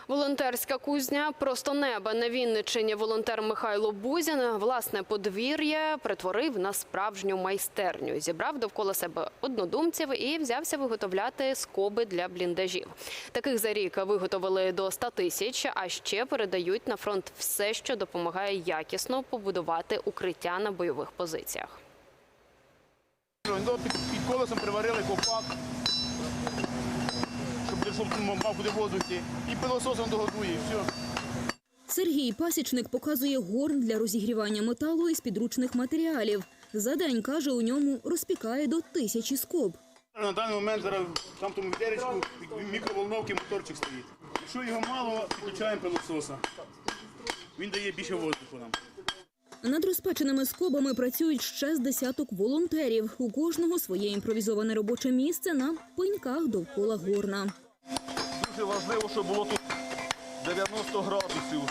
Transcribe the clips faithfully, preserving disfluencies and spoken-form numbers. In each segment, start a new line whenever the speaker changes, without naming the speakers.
Волонтерська кузня «Просто неба» на Вінниччині. Волонтер Михайло Бузін власне подвір'я перетворив на справжню майстерню. Зібрав довкола себе однодумців і взявся виготовляти скоби для бліндажів. Таких за рік виготовили до ста тисяч, а ще передають на фронт все, що допомагає якісно побудувати укриття на бойових позиціях.
Під колесом приварили ковпак, щоб мав куди воздух йти, і пилососом догодує, і все.
Сергій Пасічник показує горн для розігрівання металу із підручних матеріалів. За день, каже, у ньому розпікає до тисячі скоб.
На даний момент зараз там тому відеречку, мікроволновки, моторчик стоїть. Якщо його мало, підключаємо пилососа. Він дає більше воздуху нам.
Над розпеченими скобами працюють ще з десяток волонтерів. У кожного своє імпровізоване робоче місце на пеньках довкола горна.
Дуже важливо, щоб було тут дев'яносто градусів,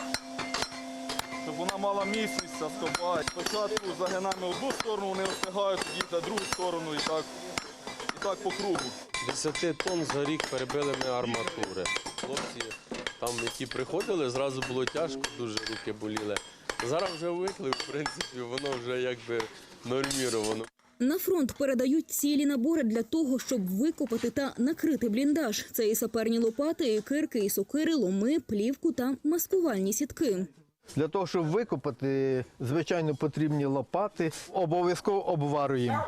щоб вона мала міцність, ця скоба. Спочатку загинаємо одну сторону, вони остигають, тоді на другу сторону і так, і так по кругу.
десять тонн за рік перебили ми арматури. Хлопці там, які приходили, зразу було тяжко, дуже руки боліли. Зараз вже звикли, в принципі, воно вже якби норміровано.
На фронт передають цілі набори для того, щоб викопати та накрити бліндаж. Це і саперні лопати, і кирки, і сокири, ломи, плівку та маскувальні сітки.
Для того, щоб викопати, звичайно, потрібні лопати. Обов'язково обварюємо.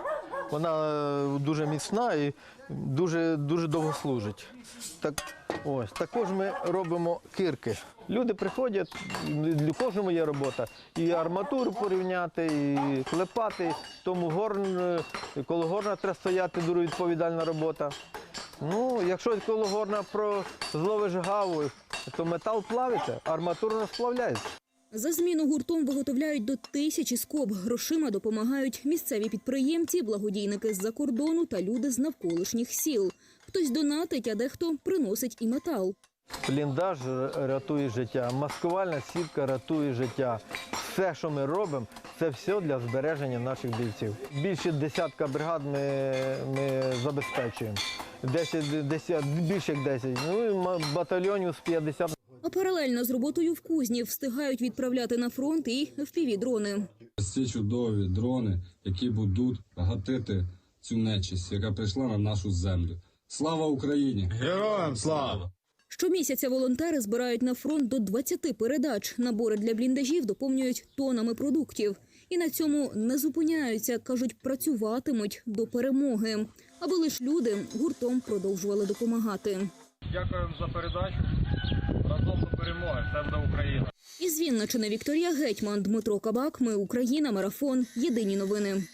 Вона дуже міцна і дуже, дуже довго служить. Так, ось. Також ми робимо кирки. Люди приходять, для кожного є робота. І арматуру порівняти, і клепати. Тому горн, коло горна треба стояти, дуже відповідальна робота. Ну, якщо коло горна про зловиш гаву, то метал плавиться, арматура не сплавляється.
За зміну гуртом виготовляють до тисячі скоб. Грошима допомагають місцеві підприємці, благодійники з-за кордону та люди з навколишніх сіл. Хтось донатить, а дехто приносить і метал.
Бліндаж рятує життя, маскувальна сітка рятує життя. Все, що ми робимо, це все для збереження наших бійців. Більше десятка бригад ми, ми забезпечуємо. десять, десять, більше як десять, ну, батальйонів з п'ятдесят.
А паралельно з роботою в кузні встигають відправляти на фронт і еф пі ві-дрони.
Ці чудові дрони, які будуть гатити цю нечисть, яка прийшла на нашу землю. Слава Україні!
Героям слава!
Щомісяця волонтери збирають на фронт до двадцяти передач. Набори для бліндажів доповнюють тонами продуктів. І на цьому не зупиняються, кажуть, працюватимуть до перемоги. Аби лиш люди гуртом продовжували допомагати.
Дякуємо за передачу. Разом до перемоги. Все буде Україна.
Із Вінниччини Вікторія Гетьман, Дмитро Кабак. Ми Україна. Марафон. Єдині новини.